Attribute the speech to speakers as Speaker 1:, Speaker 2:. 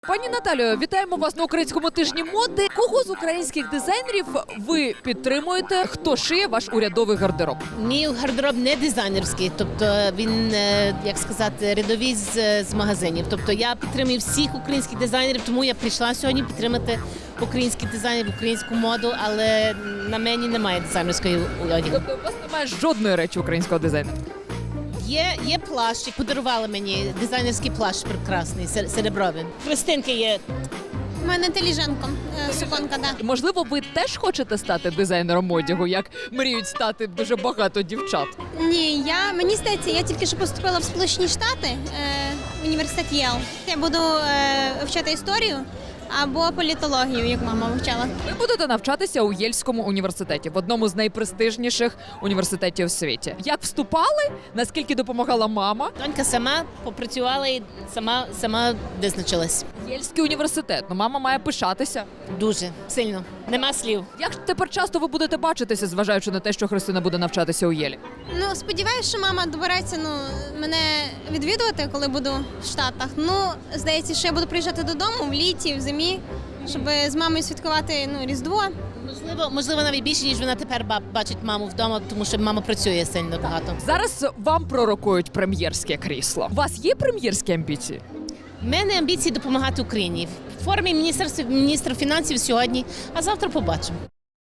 Speaker 1: Пані Наталію, вітаємо вас на українському тижні моди. Кого з українських дизайнерів ви підтримуєте? Хто шиє ваш урядовий гардероб?
Speaker 2: Мій гардероб не дизайнерський, тобто він, як сказати, рядовий з магазинів. Тобто я підтримую всіх українських дизайнерів, тому я прийшла сьогодні підтримати українських дизайнерів, українську моду, але на мені немає дизайнерської одягу.
Speaker 1: Тобто у вас немає жодної речі українського дизайнера?
Speaker 2: Є плащ, подарували мені дизайнерський плащ прекрасний, серебровий. Христинки є.
Speaker 3: У мене теліженко, суконка, да.
Speaker 1: Можливо, ви теж хочете стати дизайнером одягу, як мріють стати дуже багато дівчат?
Speaker 3: Ні, мені здається, я тільки що поступила в Сполучені Штати, в університет Єл. Я буду вчити історію або політологію, як мама вивчала.
Speaker 1: Ви будете навчатися у Єльському університеті, в одному з найпрестижніших університетів у світі. Як вступали? Наскільки допомагала мама?
Speaker 2: Донька сама попрацювала і сама визначилась.
Speaker 1: Єльський університет. Ну, мама має пишатися.
Speaker 2: Дуже сильно. Нема слів.
Speaker 1: Як тепер часто ви будете бачитися, зважаючи на те, що Христина буде навчатися у Єлі?
Speaker 3: Ну, сподіваюся, що мама добереться мене відвідувати, коли буду в Штатах. Ну, здається, що я буду приїжджати додому в літі, в зимі, щоб з мамою святкувати Різдво.
Speaker 2: Можливо, навіть більше, ніж вона тепер бачить маму вдома, тому що мама працює сильно багато.
Speaker 1: Зараз вам пророкують прем'єрське крісло. У вас є прем'єрські амбіції?
Speaker 2: У мене амбіції допомагати Україні. В формі міністра фінансів сьогодні, а завтра побачимо.